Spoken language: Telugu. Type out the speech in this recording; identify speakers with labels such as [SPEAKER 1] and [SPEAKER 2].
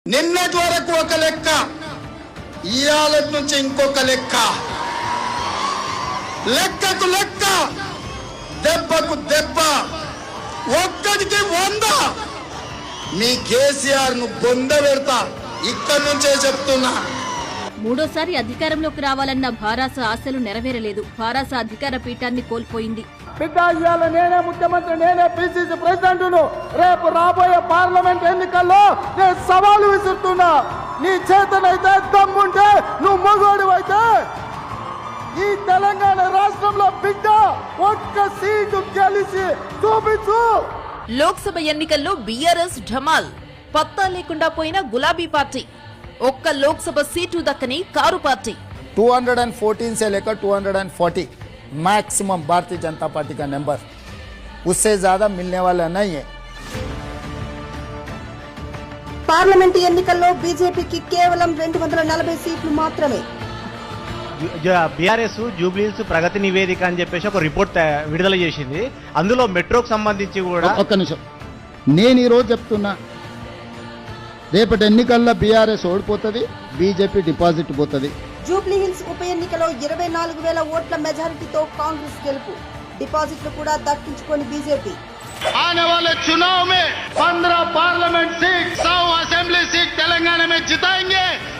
[SPEAKER 1] నిన్నటి వరకు ఒక లెక్క, ఇయాల నుంచి ఇంకొక లెక్క, లెక్కకు లెక్క, దెబ్బకు దెబ్బ, ఒక్కడికి 100. మీ కేసీఆర్ ను బొంద పెడతా, ఇక్కడి నుంచే చెప్తున్నా.
[SPEAKER 2] మూడోసారి అధికారంలోకి రావాలన్న భారాస ఆశలు నెరవేరలేదు. భారాస అధికార పీఠాన్ని కోల్పోయింది.
[SPEAKER 3] బిడ్డ ఇవాళ నేనే ముఖ్యమంత్రి, నేనే పిసిసి ప్రెసిడెంట్ ను. రేపు రాబోయే పార్లమెంట్ ఎన్నికల్లో నేను సవాలు విసురుతున్నా. నీ చేతనైతే దమ్ముంటే, నువ్వు మగోడివైతే ఈ తెలంగాణ రాష్ట్రంలో బిడ్డ ఒక్క సీటు గెలిచి చూపించు.
[SPEAKER 4] లోక్సభ ఎన్నికల్లో బీఆర్ఎస్ ఢమాల్, పత్తా లేకుండా పోయిన గులాబీ పార్టీ, ఒక్క లోక్సభ సీటు దక్కని కారు పార్టీ.
[SPEAKER 5] 214 से लेकर 240 मैक्सिमम भारतीय जनता पार्टी का नंबर, उससे ज्यादा मिलने वाला नहीं है.
[SPEAKER 6] పార్లమెంట్ ఎన్నికల్లో బీజేపీకి కేవలం 240 సీట్లు మాత్రమే.
[SPEAKER 7] బీఆర్ఎస్ జూబ్లీహిల్స్ ప్రగతి నివేదిక అని చెప్పేసి ఒక రిపోర్ట్ విడుదల చేసింది. అందులో మెట్రోకు సంబంధించి కూడా
[SPEAKER 8] ఒక్క నిమిషం, నేను ఈరోజు చెప్తున్నా, రేపటి ఎన్నికల్లో బీఆర్ఎస్ ఓడిపోతుంది, బీజేపీ డిపాజిట్ పోతుంది.
[SPEAKER 6] జూబ్లీహిల్స్ ఉప ఎన్నికలో 24,000 ఓట్ల మెజారిటీతో కాంగ్రెస్ గెలుపు, డిపాజిట్లు కూడా దక్కించుకొని బీజేపీ.
[SPEAKER 1] आने वाले चुनाव में 15 parliament seat, 100 assembly seat Telangana में जिताएंगे.